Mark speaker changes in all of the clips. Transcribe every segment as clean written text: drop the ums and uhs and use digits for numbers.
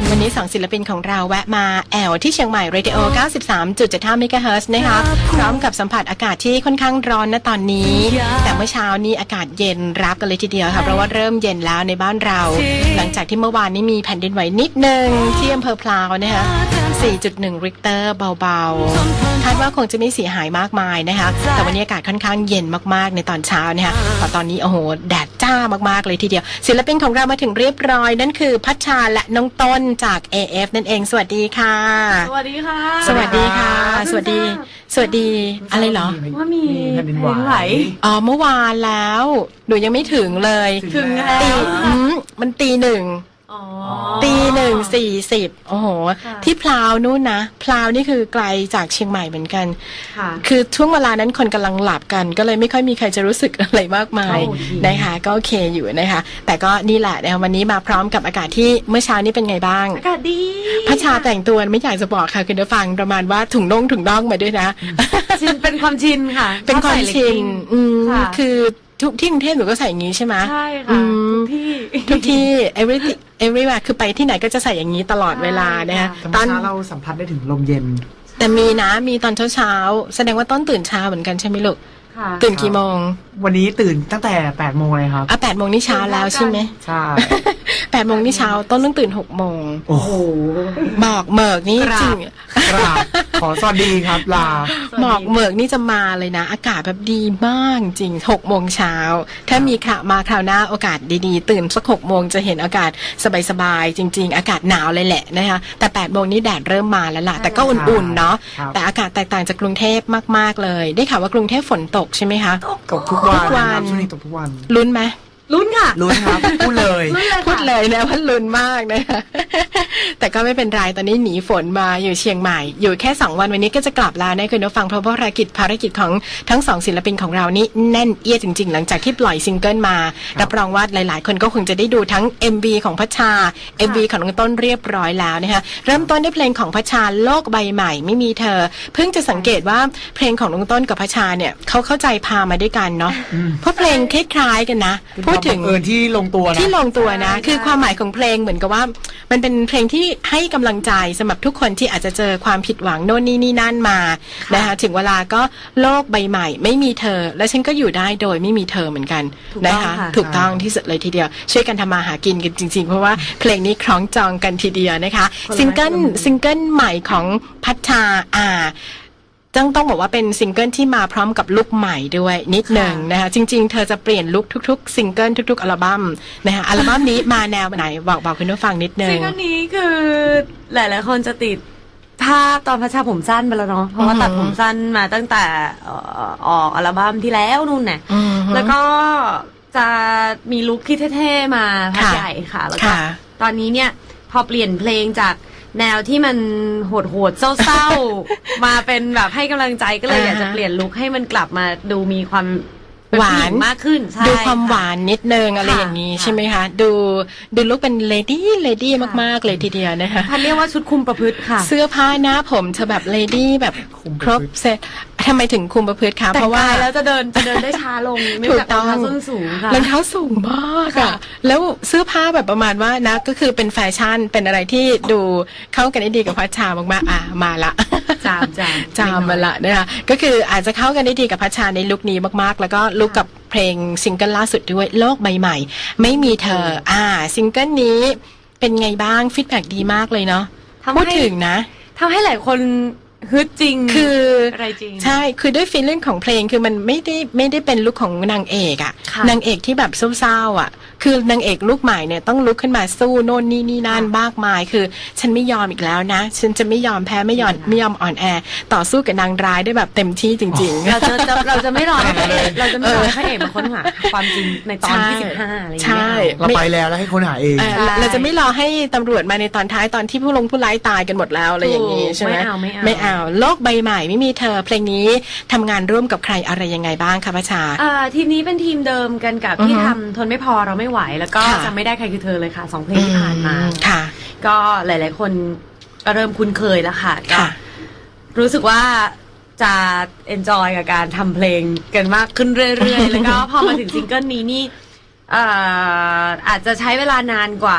Speaker 1: วันนี้2ศิลปินของเราแวะมาแอวที่เชียงใหม่ Radio 93.75 MHz นะคะพร้อมกับสัมผัสอากาศที่ค่อนข้างร้อนณตอนนี้แต่เมื่อเช้านี้อากาศเย็นรับกันเลยทีเดียวค่ะเพราะว่าเริ่มเย็นแล้วในบ้านเราหลังจากที่เมื่อวานนี้มีแผ่นดินไหวนิดนึงที่อำเภอพลาวนะคะ 4.1 ริกเตอร์เบาๆคาดว่าคงจะไม่เสียหายมากมายนะคะแต่วันนี้อากาศค่อนข้างเย็นมากๆในตอนเช้านะคะแต่ตอนนี้โอ้โหแดดจ้ามากๆเลยทีเดียวศิลปินของเรามาถึงเรียบร้อยนั่นคือพัชชาและน้องต้นจาก AF นั่นเองสวัสดีค่ะ
Speaker 2: สวัสดีค่ะ
Speaker 1: สวัสดีค่ะสวัสดีอะไรเหรอ
Speaker 2: ว่ามีแผ่นดินไหว
Speaker 1: อ๋อเมื่อวานแล้วหนูยังไม่ถึงเลย
Speaker 2: ถึงแล้ว
Speaker 1: มันตี 1ตี 1:40โอ้โหที่พลาวนู่นนะพลาวนี่คือไกลจากเชียงใหม่เหมือนกันคือช่วงเวลานั้นคนกำลังหลับกันก็เลยไม่ค่อยมีใครจะรู้สึกอะไรมากมายนะคะก็โอเคอยู่นะคะแต่ก็นี่แหละนะคะวันนี้มาพร้อมกับอากาศที่เมื่อเช้านี้เป็นไงบ้าง
Speaker 2: อากาศดี
Speaker 1: พัชชาแต่งตัวไม่อยากจะบอกค่ะคุณผู้ฟังประมาณว่าถุงน่องมาด้วยนะ
Speaker 2: ชินเป็นความชินค่ะ
Speaker 1: เป็นความชินคือทุกที่กรุงเทพหนูก็ใส่อย่างนี้ใช่ไหม
Speaker 2: ใช่ค่ะ
Speaker 1: ทุกที่ everywhere คือไปที่ไหนก็จะใส่อย่างนี้ตลอดเวลานะคะ
Speaker 3: ตอนเช้าเราสัมผัสได้ถึงลมเย็น
Speaker 1: แต่มีตอนเช้าแสดงว่าต้นตื่นเช้าเหมือนกันใช่ไหมลูกตื่นกี่โมง
Speaker 3: วันนี้ตื่นตั้งแต่8 โมงเลยครับ
Speaker 1: 8 โมงนี่เช้าแล้วใช่ไหม
Speaker 3: ใช่
Speaker 1: 8 โมงนี่เช้าต้นต้องตื่น6 โมง
Speaker 3: โอ้โห
Speaker 1: บอกเมิกนี่จริง
Speaker 3: ขอสวัสดีครับลา
Speaker 1: บอกเมิกนี่จะมาเลยนะอากาศแบบดีมากจริง6 โมงเช้าถ้ามีมาคราวหน้าโอกาสดีๆตื่นสัก6 โมงจะเห็นอากาศสบายๆจริงๆอากาศหนาวเลยแหละนะคะแต่8 โมงนี่แดดเริ่มมาแล้วล่ะแต่ก็อุ่นๆเนาะแต่อากาศแตกต่างจากกรุงเทพมากๆเลยได้ข่าวว่ากรุงเทพฝนตกใช่ไหมคะ
Speaker 3: ตกทุกวันช่วงนี้ตกทุกวัน
Speaker 1: ลุ้นไหม
Speaker 2: ลุ้นค่ะ
Speaker 3: ลุ้นครับพูดเลย
Speaker 1: นะว่าลุ้นมากนะคะแต่ก็ไม่เป็นไรตอนนี้หนีฝนมาอยู่เชียงใหม่อยู่แค่2 วันวันนี้ก็จะกลับแล้วนะคุณผู้ฟังเพราะว่าภารกิจของทั้ง2ศิลปินของเรานี่แน่นเอียดจริงๆหลังจากที่ปล่อยซิงเกิลมารับรองว่าหลายๆคนก็คงจะได้ดูทั้ง MV ของพัชชา MV ของน้องต้นเรียบร้อยแล้วนะคะเริ่มต้นด้วยเพลงของพัชชาโลกใบใหม่ไม่มีเธอเพิ่งจะสังเกตว่าเพลงของน้องต้นกับพัชชาเนี่ยเขาเข้าใจพามาด้วยกันเนาะเพราะเพลงคล้ายๆกันนะพูดถึง
Speaker 3: ที่ลงตัวนะ
Speaker 1: คือความหมายของเพลงเหมือนกับว่ามันเป็นเพลงที่ให้กำลังใจสำหรับทุกคนที่อาจจะเจอความผิดหวังโน่นนี่นั่นมานะคะถึงเวลาก็โลกใบใหม่ไม่มีเธอและฉันก็อยู่ได้โดยไม่มีเธอเหมือนกันนะคะถูกต้องที่สุดเลยทีเดียวช่วยกันทำมาหากินกันจริงๆเพราะว่าเพลงนี้คล้องจองกันทีเดียวนะคะซิงเกิลใหม่ของพัชชาต้องบอกว่าเป็นซิงเกิลที่มาพร้อมกับลุคใหม่ด้วยนิดหนึ่งนะคะจริงๆเธอจะเปลี่ยนลุคทุกๆซิงเกิลทุกๆอัลบั้มนะคะอัลบั้มนี้มาแนวไหนบอกคุณผู้ฟังนิดนึง
Speaker 2: ซิงเกิลนี้คือหลายๆคนจะติดภาพตอนพัชชาผมสั้นไปแล้วเนาะเพราะว่าตัดผมสั้นมาตั้งแต่ออกอัลบั้มที่แล้วนู่นน่ะแล้วก็จะมีลุคที่เท่ๆมาพักใหญ่ค่ะแล้วก็ตอนนี้เนี่ยพอเปลี่ยนเพลงจากแนวที่มันโหดๆเศร้าๆมาเป็นแบบให้กำลังใจก็เลยอยากจะเปลี่ยนลุคให้มันกลับมาดูมีความ
Speaker 1: หวาน
Speaker 2: มากขึ้น
Speaker 1: ดูความหวานนิดนึงอะไรอย่างนี้ใช่ไหมคะดูลุคเป็นเลดี้มากๆเลยทีเดียวนะคะ
Speaker 2: พันเรียกว่าชุดคุมประพฤติค่ะ
Speaker 1: เสื้อผ้าหน้าผมเธอแบบเลดี้แบบครบเซ็ตทำไมถึงคุมประพฤติคะเพราะว่า
Speaker 2: แล้วจะเดินได้ช้าลงไม่แบบรองเท้าส้นสูงค่ะ
Speaker 1: รองเท้าสูงมากอ่ะแล้วเสื้อผ้าแบบประมาณว่านะก็คือเป็นแฟชั่นเป็นอะไรที่ดูเข้ากันได้ดีกับพัชชามากๆมาละจามมาละนะคะก็คืออาจจะเข้ากันได้ดีกับพัชชาในลุคนี้มากๆแล้วก็ลุคกับเพลงซิงเกิลล่าสุดด้วยโลกใบใหม่ไม่มีเธอซิงเกิลนี้เป็นไงบ้างฟีดแบ็กดีมากเลยเนาะพูดถึงนะ
Speaker 2: ทำให้หลายคนฮึดจริง
Speaker 1: คือ
Speaker 2: อะไรจริง
Speaker 1: ใช่คือด้วยฟีลลิ่งของเพลงคือมันไม่ได้เป็นลุคของนางเอกนางเอกที่แบบเศร้าคือนางเอกลูกใหม่เนี่ยต้องลุกขึ้นมาสู้โน่นนี่นั่นมากมายคือฉันไม่ยอมอีกแล้วนะฉันจะไม่ยอมแพ้ไม่ยอมอ่อนแอต่อสู้กับนางร้ายได้แบบเต็มที่จริงๆ
Speaker 2: เราจะไม่รอพระเอกเราจะไม่รอพระเอกมาค้นหาความจริงในตอนที่15อะไรอย่างเงี้ย
Speaker 3: เราไปแล้วให้ค้นหาเอง
Speaker 1: เราจะไม่รอให้ตำรวจมาในตอนท้ายตอนที่ผู้ร้ายตายกันหมดแล้วอะไรอย่างนี้ใช่ไหมไม่เอาโลกใบใหม่ไม่มีเธอเพลงนี้ทำงานร่วมกับใครอะไรยังไงบ้างคะพัชชา
Speaker 2: ทีมนี้เป็นทีมเดิมกันกับที่ทำทนไม่พอเราไม่ไหวแล้วก็จะไม่ได้ใครคือเธอเลยค่ะ2เพลงที่ผ่านมา
Speaker 1: ค่ะ
Speaker 2: ก็หลายๆคนก็เริ่มคุ้นเคยแล้วค่ะก็รู้สึกว่าจะเอนจอยกับการทำเพลงกันมากขึ้นเรื่อยๆแล้วก็พอมาถึงซิงเกิลนี้นี่อาจจะใช้เวลานานกว่า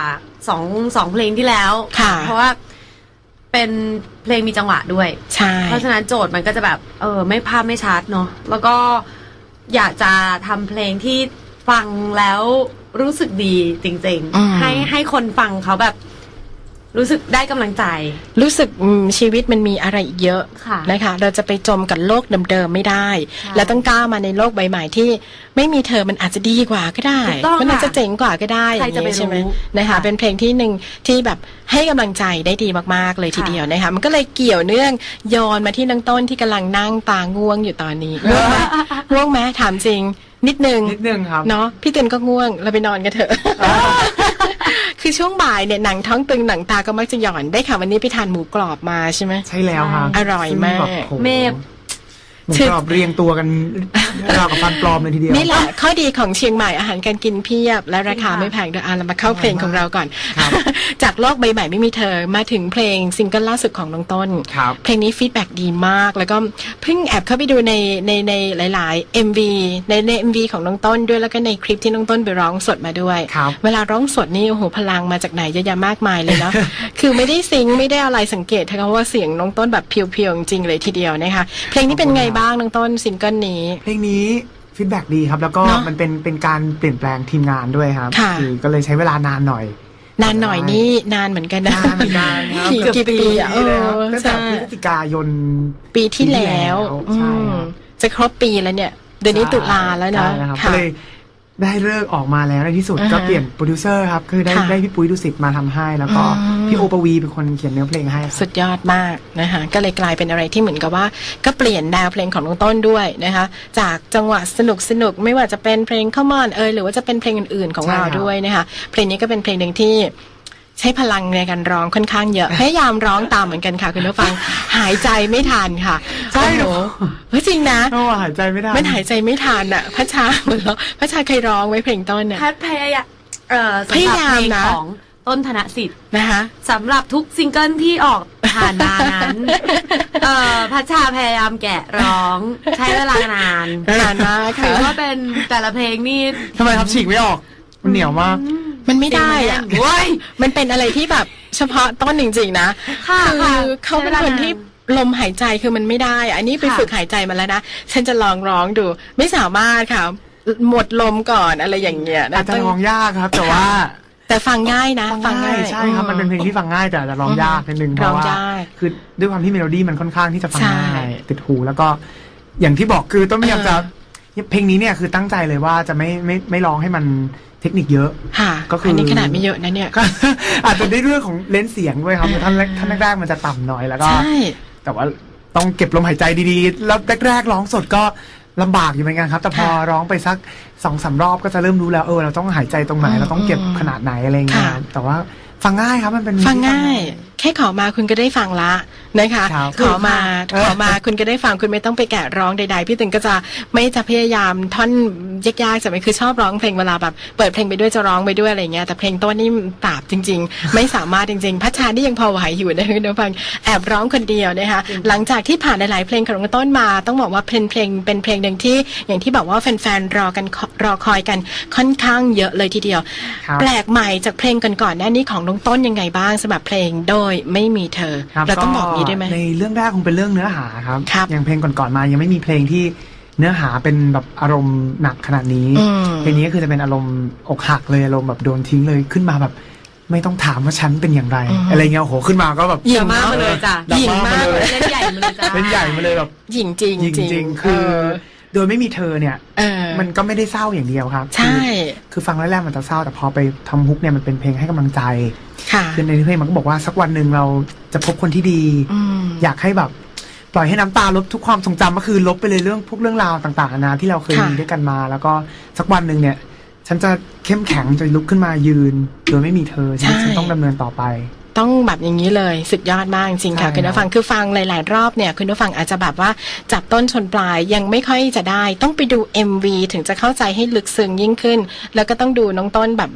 Speaker 2: สองเพลงที่แล้ว
Speaker 1: ค่ะ
Speaker 2: เพราะว่าเป็นเพลงมีจังหวะด้วย
Speaker 1: ใช่
Speaker 2: เพราะฉะนั้นโจทย์มันก็จะแบบไม่ภาพไม่ชัดเนาะแล้วก็อยากจะทำเพลงที่ฟังแล้วรู้สึกดีจริงๆให้คนฟังเขาแบบรู้สึกได้กำลังใจ
Speaker 1: รู้สึกชีวิตมันมีอะไรอีกเยอะ
Speaker 2: ค่ะ
Speaker 1: นะคะเราจะไปจมกับโลกเดิมๆไม่ได้
Speaker 2: ใช่
Speaker 1: แล้วต้องก้าวมาในโลกใบใหม่ที่ไม่มีเธอมันอาจจะดีกว่าก็ได้
Speaker 2: ถูกต้อง
Speaker 1: มันอาจจะเจ๋งกว่าก็ได้
Speaker 2: ใครจะไป
Speaker 1: อย่างนี้ใช่ไหม
Speaker 2: รู้
Speaker 1: นะคะ
Speaker 2: ค่ะ
Speaker 1: เป็นเพลงที่หนึ่งที่แบบให้กำลังใจได้ดีมากๆเลยที
Speaker 2: ค่ะ
Speaker 1: เดียวนะคะมันก็เลยเกี่ยวเนื่องย้อนมาที่น้องต้นที่กำลังนั่งตาง่วงอยู่ตอนนี้ง่วงไหมง่วงไหมถามจริงนิดนึง
Speaker 3: นิดนึงครับ
Speaker 1: เนาะพี่เตือนก็ง่วงเราไปนอนกันเถอะ คือช่วงบ่ายเนี่ยหนังท้องตึงหนังตาก็มักจะหย่อนได้ค่ะวันนี้ไปทานหมูกรอบมาใช่ไหม
Speaker 3: ใช่แล้วครับ
Speaker 1: อร่อยมาก
Speaker 3: ซึ่งแบบโห
Speaker 2: เมฟ
Speaker 3: หมูกรอบเรียงตัวกันราวกับฟันปลอมเลยทีเดียว
Speaker 1: นี่แหละข้อดีของเชียงใหม่อาหารการกินเพียบ และราคาไม่แพงด้วยเรามาเข้าเพลงของเราก่อน
Speaker 3: ครับ
Speaker 1: จากโลกใบใหม่ไม่มีเธอมาถึงเพลงซิงเกิลล่าสุดของน้องต้น
Speaker 3: ครับ
Speaker 1: เพลงนี้ฟีดแบ็ดีมาก แล้วก็เพิ่งแอบเข้าไปดูในหลายๆ MV ใน MV ของน้องต้นด้วยแล้วก็ในคลิปที่น้องต้นไปร้องสดมาด้วย
Speaker 3: ครับ
Speaker 1: เวลาร้องสดนี่โอ้โหพลังมาจากไหนเยอะแยะมากมายเลยเนาะ คือไม่ได้ซิงค์ไม่ได้อะไรสังเกตนะคะว่าเสียงน้องต้นแบบเพียวๆจริงๆเลยทีเดียวนะคะเพลงนี้เป็นไงบ้างน้องต้นซิงเกิลนี้
Speaker 3: เพลงนี้ฟีดแบ็ดีครับ แล้วก็
Speaker 1: เนอะ
Speaker 3: มันเป็นการเปลี่ยนแปลงทีมงานด้วยครับ
Speaker 1: ค่ะ
Speaker 3: อก็เลยใช้เวลานานหน่อย
Speaker 1: นานหน่อยนี่นานเหมือนกันนะ
Speaker 3: นานเหมือนกันครับ
Speaker 1: กี่ปีอ่ะ
Speaker 3: เลยครับตั้งแต่
Speaker 1: ใช่
Speaker 3: พฤศจิกายน
Speaker 1: ปีที่แล้ว
Speaker 3: ใช่ครับ
Speaker 1: จะครบปีแล้วเนี่ยเดือนนี้ตุลาแล้วเนาะ
Speaker 3: ใช่ครับ
Speaker 1: ค่ะ
Speaker 3: ก็เลยได้เลิกออกมาแล้วในที่สุด
Speaker 1: อ่าฮะ
Speaker 3: ก็เปลี่ยนโปรดิวเซอร์ครับคือได้
Speaker 1: ค่ะ
Speaker 3: ได้พี่ปุ้ยดุสิตมาทำให้ แล้วก็
Speaker 1: อืม
Speaker 3: พี่โอปวีเป็นคนเขียนเนื้อเพลงให้ครับ
Speaker 1: สุดยอดมากนะคะก็เลยกลายเป็นอะไรที่เหมือนกับว่าก็เปลี่ยนแนวเพลงของน้องต้นด้วยนะคะจากจังหวะสนุกไม่ว่าจะเป็นเพลงข้ามอนหรือว่าจะเป็นเพลงอื่นๆของ
Speaker 3: ใช่
Speaker 1: เรา
Speaker 3: ครับ
Speaker 1: ด้วยนะคะเพลงนี้ก็เป็นเพลงหนึ่งที่ใช้พลังในการร้องค่อนข้างเยอะพยายามร้องตามเหมือนกันค่ะคุณผู้ฟังหายใจไม่ทันค่ะ
Speaker 3: ใช่เหรอ
Speaker 1: เฮ้ยจริงนะ
Speaker 3: โอ้หายใจไม่ได้
Speaker 1: มันหายใจไม่ทันอ่ะพระชาเหมือนเราพระชาเคยร้องไว้เพลงต้นเนี่ย
Speaker 2: แพทย์พยายามสำหรับ
Speaker 1: พยายาม
Speaker 2: เพลง
Speaker 1: นะ
Speaker 2: ของต้นธนสิทธิ์
Speaker 1: นะคะ
Speaker 2: สำหรับทุกซิงเกิลที่ออกผ่านมานั้น พัชชาพยายามแกะร้องใช้เวลานาน
Speaker 1: นานมาก
Speaker 2: ถื
Speaker 1: ค่ะ
Speaker 2: อว่าเป็นแต่ละเพลงนี่
Speaker 3: ทำไมครับฉีกไม่ออก มันเหนียวมาก
Speaker 1: มันไม่ได้อ่ะ
Speaker 2: เว้ย
Speaker 1: มันเป็นอะไรที่แบบเฉพาะต้นจริงๆนะ
Speaker 2: ค่ะ
Speaker 1: คือ
Speaker 2: ค่ะ
Speaker 1: เขาเป็นคนที่ลมหายใจคือมันไม่ได้อะอันนี้ไป
Speaker 2: ค่ะ
Speaker 1: ฝึกหายใจมาแล้วนะฉันจะลองร้องดู ไม่สามารถค่ะ หมดลมก่อนอะไรอย่างเงี้ยนะ
Speaker 3: อาจจะ
Speaker 1: ต้อง
Speaker 3: ร้องยากครับ แต่ว่า
Speaker 1: แต่ฟังง่ายนะฟังง่าย
Speaker 3: ใช่ครับ มันเป็นเพลงที่ฟังง่ายแต่อาจจะร้องยากนิดนึงเพ
Speaker 1: ร้อง
Speaker 3: ราะว่าย
Speaker 1: าก
Speaker 3: คือด้วยความที่เมโลดี้มันค่อนข้างที่จะฟัง
Speaker 1: ใช่
Speaker 3: ง่ายติดหูแล้วก็อย่างที่บอกคือต้องพยายามจะเพลงนี้เนี่ยคือตั้งใจเลยว่าจะไม่ร้องให้มันเทคนิคเยอะ
Speaker 1: ค่ะ
Speaker 3: ก็คืออั
Speaker 1: นนี้ขนาดไม่เยอะนะเนี่ย
Speaker 3: ก็ อาจจะได้เรื่องของเลนส์เสียงด้วยครับท่านแรกๆมันจะต่ำหน่อยแล้วก็
Speaker 1: ใช่
Speaker 3: แต่ว่าต้องเก็บลมหายใจดีๆ แล้วแรกๆร้องสดก็ลำบากอยู่เหมือนกันครับ แต่พอร้องไปสัก 2-3 รอบก็จะเริ่มรู้แล้วเราต้องหายใจตรงไหนเราต้องเก็บขนาดไหนอะไรเงี้ย
Speaker 1: ค่ะ
Speaker 3: แต่ว่าฟังง่ายครับมันเป็น
Speaker 1: ฟังง่าย แค่ขอมาคุณก็ได้ฟังละนะคะ
Speaker 3: ครับ
Speaker 1: ขอมาคุณก็ได้ฟังคุณไม่ต้องไปแกะร้องใดๆพี่ตึงก็จะไม่จะพยายามท่อนยากๆจะไม่คือชอบร้องเพลงเวลาแบบเปิดเพลงไปด้วยจะร้องไปด้วยอะไรเงี้ยแต่เพลงต้นนี่ปราบจริง ๆ ไม่สามารถจริงๆพัชชานี่ยังพอไหวอยู่นะคุณผู้ฟังแอบร้องคนเดียวนะคะหลังจากที่ผ่านหลายๆเพลงของต้นมาต้องบอกว่าเป็นเพลงหนึ่งที่อย่างที่บอกว่าแฟนๆรอคอยกันค่อนข้างเยอะเลยทีเดียว
Speaker 3: ครับ
Speaker 1: แปลกใหม่จากเพลงก่อนๆหน้านี้ของน้องต้นยังไงบ้างสำหรับเพลงโดยไม่มีเธอ
Speaker 3: ครับ
Speaker 1: เราต้องบอกนี้ได้ไหม
Speaker 3: ในเรื่องแรกคงเป็นเรื่องเนื้อหาครับ
Speaker 1: ครับ
Speaker 3: อย่างเพลงก่อนๆมายังไม่มีเพลงที่เนื้อหาเป็นแบบอารมณ์หนักขนาดนี้
Speaker 1: อืม
Speaker 3: เพลงนี้ก็คือจะเป็นอารมณ์อกหักเลยอารมณ์แบบโดนทิ้งเลยขึ้นมาแบบ ไม่ต้องถามว่าฉันเป็นอย่างไร อะไรเงี้ยโอ้โหขึ้นมาก็แบบ
Speaker 1: หญิง
Speaker 2: มากมาเลยจ้ะ
Speaker 3: ดราม่า
Speaker 1: หญิงมาก
Speaker 3: มาเลย
Speaker 2: เล่นใหญ่มาเลยจ้ะ
Speaker 3: เป็นใหญ่มาเลยแบบ
Speaker 1: หญิงจริง
Speaker 3: จริงๆคือโดยไม่มีเธอเนี่ย
Speaker 1: เออ
Speaker 3: มันก็ไม่ได้เศร้าอย่างเดียวครับ
Speaker 1: ใช่
Speaker 3: คือฟังแรกๆมันจะเศร้าแต่พอไปทำฮุกเนี่ยมันเป็นเพลงให้กำลังใจ
Speaker 1: ค่ะ
Speaker 3: คือในเพลงมันก็บอกว่าสักวันหนึ่งเราจะพบคนที่ดี
Speaker 1: อืม
Speaker 3: อยากให้แบบปล่อยให้น้ำตาลบทุกความทรงจำก็คือลบไปเลยเรื่องราวต่างๆนานาที่เราเคย
Speaker 1: ค่ะ
Speaker 3: มีด้วยกันมา แล้วก็สักวันหนึ่งเนี่ย ฉันจะเข้มแข็งจะลุกขึ้นมายืน โดยไม่มีเธอชีวิตฉันต้องดำเนินต่อไป
Speaker 1: ต้องแบบอย่างนี้เลยสุดยอดมากจริงๆค่ะ
Speaker 3: ใช่
Speaker 1: คุณผู้ฟังคือฟังหลายๆรอบเนี่ยคุณผู้ฟังอาจจะแบบว่าจับต้นชนปลายยังไม่ค่อยจะได้ ต้องไปดู MV ถึงจะเข้าใจให้ลึกซึ้งยิ่งขึ้น แล้วก็ต้องดูน้องต้นแบบร้อง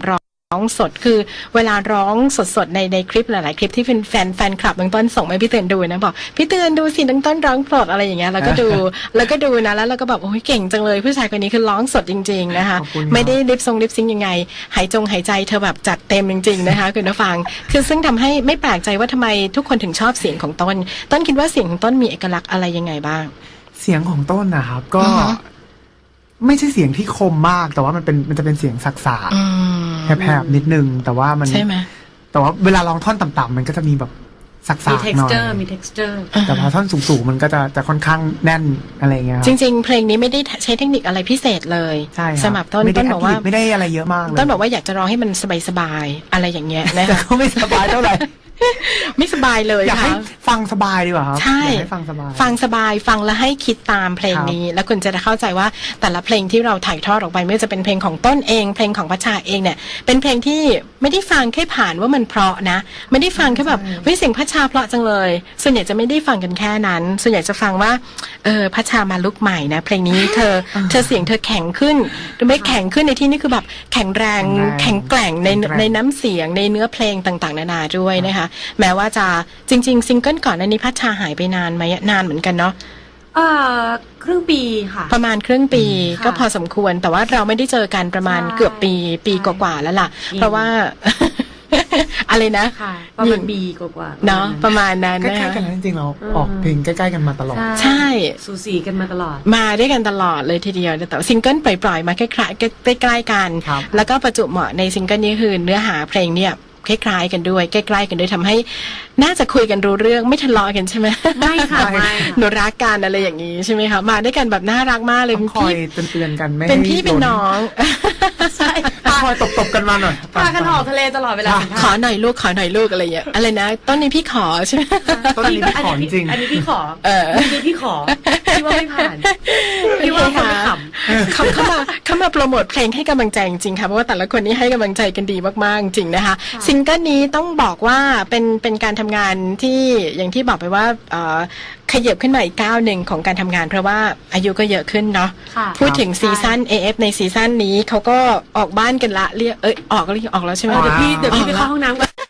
Speaker 1: ร้องสดคือเวลาร้องสดๆในคลิปหลายๆคลิปที่เป็นแฟนคลับน้องต้นส่งมาให้พี่เตือนดูนะบอกพี่เตือนดูสิน้องต้นร้องสดอะไรอย่างเงี้ยแล้วก็ดูนะแล้วเราก็แบบโอ้ยเก่งจังเลยผู้ชายคนนี้คือร้องสดจริงๆนะคะ
Speaker 3: ขอบคุณครับ
Speaker 1: ไม่ได้ลิปซิงยังไงหายใจเธอแบบจัดเต็มจริงๆนะคะคุณผู้ฟังคือซึ่งทำให้ไม่แปลกใจว่าทำไมทุกคนถึงชอบเสียงของต้นคิดว่าเสียงของต้นมีเอกลักษณ์อะไรยังไงบ้าง
Speaker 3: เสียงของต้นนะครับก็
Speaker 1: อือฮะ
Speaker 3: ไม่ใช่เสียงที่คมมาก แต่ว่ามันจะเป็นเสียงสักษา
Speaker 1: อืม
Speaker 3: แหบๆนิดนึง แต่ว่ามัน
Speaker 1: ใช่ไหม
Speaker 3: แต่ว่าเวลาร้องท่อนต่ำๆมันก็จะมีแบบสัก
Speaker 2: มี
Speaker 3: ๆหน่อย
Speaker 2: texture มี texture
Speaker 3: แต่พอท่อนสูงๆมันก็จะค่อนข้างแน่นอะไรอย่างเงี้ยครับ
Speaker 1: จริงๆเพลงนี้ไม่ได้ใช้เทคนิคอะไรพิเศษเลย
Speaker 3: ใช่ครับ
Speaker 1: สำหรับต้น
Speaker 3: ไม่ได้
Speaker 1: ต้นบอกว่า
Speaker 3: ไม่ได้อะไรเยอะมากเลย
Speaker 1: ต้นบอกว่าอยากจะร้องให้มันสบายๆอะไรอย่างเงี้ยนะ
Speaker 3: แต่
Speaker 1: คะ
Speaker 3: ก็ไม่สบายเท่าไหร่
Speaker 1: ไม่สบายเลย
Speaker 3: อยากให้
Speaker 1: ค่ะ
Speaker 3: ฟังสบายดีกว่าครับ
Speaker 1: ใช่
Speaker 3: อยากให้ฟังสบาย
Speaker 1: ฟังสบายฟังแล้วให้คิดตามเพลงนี้ แล้วคุณจะเข้าใจว่าแต่ละเพลงที่เราถ่ายทอดออกไปไม่ว่าจะเป็นเพลงของต้นเองเพลงของพัชชาเองเนี่ยเป็นเพลงที่ไม่ได้ฟังแค่ผ่านว่ามันเพราะนะไม่ได้ฟังแค่แบบเฮ้ยเสียงพัชชาเพราะจังเลยส่วนใหญ่จะไม่ได้ฟังกันแค่นั้น ส่วนใหญ่จะฟังว่าพัชชามาลุกใหม่นะเพลงนี้เธอเสียงเธอแข็งขึ้นหรือไม่แข็งขึ้นในที่นี้คือแบบแข็งแรงแข็งแกร่งในน้ำเสียงในเนื้อเพลงต่างๆนานาด้วยนะคะแม้ว่าจะจริงๆซิงเกิลก่อนอันนี้พัชชาหายไปนานไหมนานเหมือนกันเนาะ
Speaker 2: ครึ่งปีค่ะ
Speaker 1: ประมาณครึ่งปี
Speaker 2: ค่ะ
Speaker 1: ก็พอสมควรแต่ว่าเราไม่ได้เจอกันประมาณ
Speaker 2: ใช่
Speaker 1: เกือบปีกว่าๆแล้วล่ะ เพราะว่า อะไรนะ
Speaker 2: ค่ะประมาณปีกว่าๆ
Speaker 1: เนาะประมาณนั้น
Speaker 3: ใก
Speaker 1: นะ
Speaker 3: ล้
Speaker 1: คะ
Speaker 3: ๆกันนะจริงๆเราออกเพลงใกล้ๆกันมาตลอด
Speaker 1: ใช่
Speaker 2: สูสีกันมาตลอด
Speaker 1: มาด้วยกันตลอดเลยทีเดียวแต่ว่าซิงเกิลปล่อยๆมาใกล้ๆใกล้ๆกัน
Speaker 3: ครับ
Speaker 1: แล้วก็ประจุเหมาะในซิงเกิลนี้คือเนื้อหาเพลงเนี่ยคล้ายๆกันด้วยใกล้ๆกันด้วยทำให้น่าจะคุยกันรู้เรื่องไม่ทะเลาะกันใช่ไหม
Speaker 2: ไม่ค่ะไม่
Speaker 1: หนูรักกันอะไรอย่างนี้ใช่ไหมคะมาด้วยกันแบบน่ารักมากเลย
Speaker 3: ต้องคอยเตือนๆกันไม่ให้
Speaker 1: เป็นพี่เป็นน้อง
Speaker 2: ใช่
Speaker 3: ต้องคอยตบๆกันมาหน่อย
Speaker 2: พากันออกทะเลตลอดเวลา
Speaker 1: ขอหน่อยลูกอะไรอย่างเงี้ยอะไรนะต้นนี้พี่ขอใช่ไหม
Speaker 3: ต้นนี้พี่ขอจริง
Speaker 2: อันนี้พี่ขอ
Speaker 1: เออ
Speaker 2: เมื่อกี้พี่ขอพี่ว่าไม่ผ่านพี่ว่าคนไม่ขำ
Speaker 1: เขามาโปรโมทเพลงให้กำลังใจจริงๆค่ะเพราะว่าแต่ละคนนี้ให้กำลังใจกันดีมากๆจริงๆนะคะซิงเกิลนี้ต้องบอกว่าเป็นการทำงานที่อย่างที่บอกไปว่าขยับขึ้นมาอีกก้าวหนึ่งของการทำงานเพราะว่าอายุก็เยอะขึ้นเนาะ
Speaker 2: ค่ะ
Speaker 1: พูดถึงซีซั่น AF ในซีซั่นนี้เขาก็ออกบ้านกันละเรียกออกแล้วใช่ไหม
Speaker 3: อ๋อ
Speaker 2: เดี๋ยวพี่ไปเข้าห้องน้ำก่อน